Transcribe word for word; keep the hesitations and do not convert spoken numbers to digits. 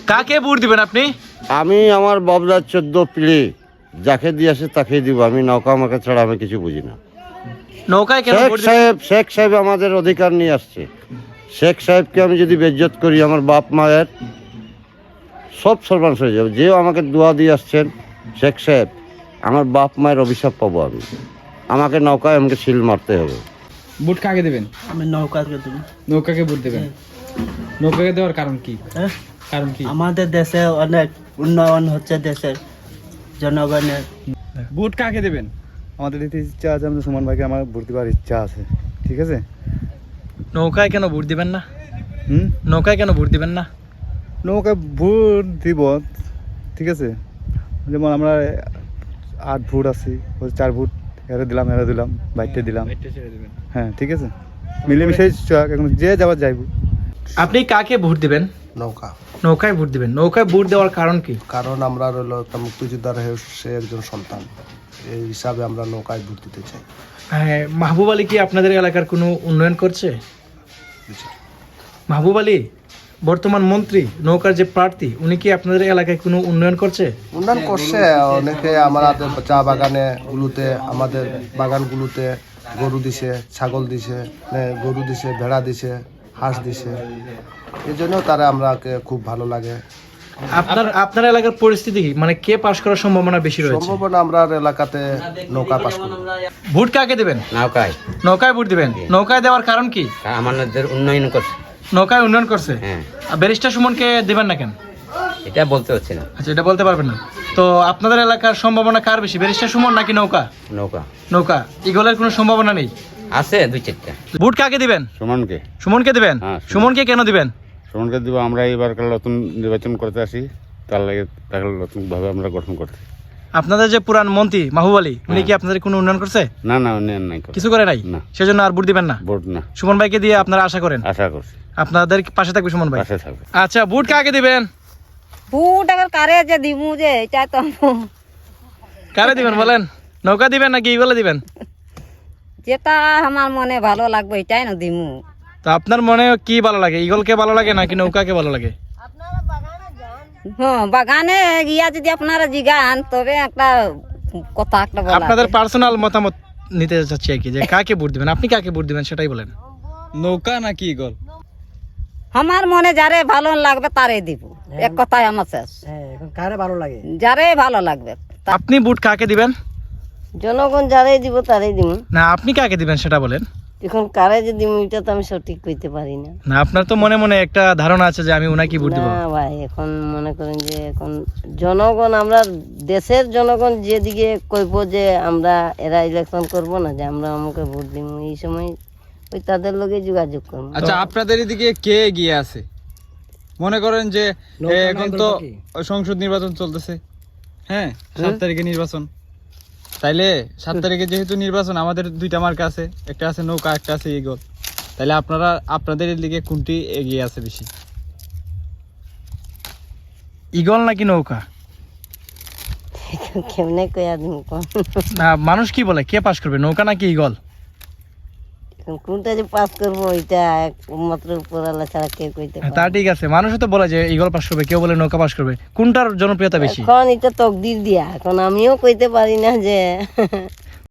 কাকে ভোট দিবেন আপনি? আমি আমার বাবদার চোদ্দ পিড়ি যাকে দিয়ে আসে তাকে দিব। আমি নৌকা আমাকে ছাড়া আমি কিছু বুঝি না। নৌকায় কেন শেখ ভোট দিবেন? সাহেব শেখ সাহেব আমাদের অধিকার নিয়ে আসছে। শেখ সাহেবকে আমি যদি বেজ্জত করি আমার বাপ মায়ের সব সর্বাংশ হয়ে যাবে। যেও আমাকে দোয়া দিয়ে আসছেন শেখ সাহেব, আমার বাপ মায়ের অভিশাপ পাবো আমি। আমাকে নৌকায় আমাকে শিল মারতে হবে। ভোট কাকে দেবেন? আমি নৌকাকে দেব। নৌকাকে ভোট দেবেন? নৌকাকে দেওয়ার কারণ কি? হ্যাঁ? কারণ কি? আমাদের দেশে অনেক উন্নয়ন হচ্ছে, দেশের জনগণের। ভোট কাকে দেবেন? আমাদের দিতে ইচ্ছা আছে, আমাদের সুমন ভাইকে আমার ভোট দেওয়ার ইচ্ছা আছে। ঠিক আছে। নৌকায় কেন ভোট দিবেন না? হুম নৌকায় কেন ভোট দিবেন না? নৌকা ভোট দিব, ঠিক আছে। যেমন আমরা আট ভোট আছি, ওই চার ভোট হেরে দিলাম হেরে দিলাম বাইটে দিলাম। হ্যাঁ ঠিক আছে, মিলেমিশে এখন যে যাবার যাইব। আপনি কাকে ভোট দিবেন? নৌকা। নৌকায় ভোট দিবেন। নৌকায় ভোট দেওয়ার কারণ কি? কারণ আমরা রইল একটা মুক্তিযোদ্ধার হয়ে সে একজন সন্তান, এই হিসাবে আমরা নৌকায় ভোট দিতে চাই। হ্যাঁ, মাহবুব আলী কি আপনাদের এলাকার কোনো উন্নয়ন করছে? মাহবুব আলী বর্তমান মন্ত্রী, নৌকার যে প্রার্থী, উনি কি আপনাদের এলাকায় কোনো উন্নয়ন করছে? উন্নয়ন করছে অনেকে। আমাদের চা বাগানে গুলোতে, আমাদের বাগানগুলোতে গরু দিছে, ছাগল দিছে, গরু দিছে, ভেড়া দিছে, হাঁস দিছে। এই জন্য তারা আমরাকে খুব ভালো লাগে। আপনার আপনার এলাকার পরিস্থিতি কি, মানে কে পাশ করার সম্ভাবনা বেশি রয়েছে? সম্ভাবনা আমরা এলাকাতে নৌকা পাস করি। ভোট কাকে দিবেন? নৌকায়। নৌকায় ভোট দিবেন। নৌকায় দেওয়ার কারণ কি? আমাদের উন্নয়ন করছে। নৌকায় উন্নয়ন করছে। হ্যাঁ। আর ব্যারিস্টার সুমনকে দিবেন না কেন? এটা বলতে হচ্ছে না। আচ্ছা, এটা বলতে পারবেন না। তো আপনাদের এলাকার সম্ভাবনা কার বেশি, ব্যারিস্টার সুমন নাকি নৌকা? নৌকা। নৌকা। ইগলের কোনো সম্ভাবনা নেই? আছে দুই চারটা। ভোট কাকে দিবেন? সুমনকে। সুমনকে দিবেন। হ্যাঁ, সুমনকে কেন দিবেন? সুমনকে দিব। আমরা এবার নতুন নির্বাচন করতে আসি, তার লাগে তাকে নতুনভাবে আমরা গঠন করতে। আপনাদের যে পুরান মন্ত্রী মাহবুব আলী, উনি কি আপনাদের কোনো উন্নয়ন করছে? না না উন্নয়ন নাই, কিছু করে নাই। না। সেজন্য আর ভোট দিবেন না? ভোট না। সুমন ভাইকে দিয়ে আপনারা আশা করেন? আশা করছি আপনাদের পাশে থাকবে সুমন ভাই। পাশে থাকবে। আচ্ছা, ভোট কাকে দিবেন? ভোট আবার কারে যে দিমু যে এটা তো কারে দিবেন বলেন? নৌকা দিবেন নাকি ইগলে দিবেন? যেটা আমার মনে ভালো লাগবে এটাই না দিমু। তো আপনার মনে কি ভালো লাগে, ইগলকে ভালো লাগে নাকি নৌকাকে ভালো লাগে? হ্যাঁ, বাগানে গিয়া যদি আপনারা জিগান তবে একটা কথা একটা বলা আপনাদের আছে। পার্সোনাল মতামত নিতে চাচ্ছি আর কি, যে কাকে ভোট দিবেন, আপনি কাকে ভোট দিবেন সেটাই বলেন। নৌকা নাকি ইগল? আমার মনে যারে ভালো লাগবে তারে দিব, এক কথায় আমার শেষ। কারে ভালো লাগে? যারে ভালো লাগবে। আপনি ভোট কাকে দিবেন? জনগণ যারে দিব তারেই দিব। না, আপনি কাকে দিবেন সেটা বলেন। এখন কারে যে দিব এটা তো আমি সঠিক কইতে পারি না। না, আপনার তো মনে মনে একটা ধারণা আছে যে আমি উনাকে ভোট দিব। না ভাই, এখন মনে করেন যে এখন জনগণ, আমরা দেশের জনগণ যেদিকে কইব যে আমরা এরা ইলেকশন করব না, যে আমরা আমাকে ভোট দিব, এই সময় ওই তাদের লগে যোগাযোগ করবো। আচ্ছা, আপনাদের এদিকে কে এগিয়ে আছে? মনে করেন যে এ, এখন তো সংসদ নির্বাচন চলতেছে। হ্যাঁ, সাত তারিখে নির্বাচন। তাইলে সাত তারিখে যেহেতু নির্বাচন, আমাদের দুইটা মার্কা আছে, একটা আছে নৌকা, একটা আছে ইগল। তাইলে আপনারা আপনাদের এদিকে কোনটি এগিয়ে আছে বেশি? ইগল নাকি নৌকা? কেমনে কইয়া দিব কোন? না, মানুষ কি বলে, কে পাস করবে, নৌকা নাকি ইগল? এখন কোনটা যে পাস করবো ওইটা একমাত্র উপরওয়ালা ছাড়া কেউ কইতে হ্যাঁ, পারে তা ঠিক আছে। মানুষও তো বলে যে ইগল পাস করবে, কেউ বলে নৌকা পাস করবে। কোনটার জনপ্রিয়তা বেশি? এখন এটা তকদির দিয়া, এখন আমিও কইতে পারি না যে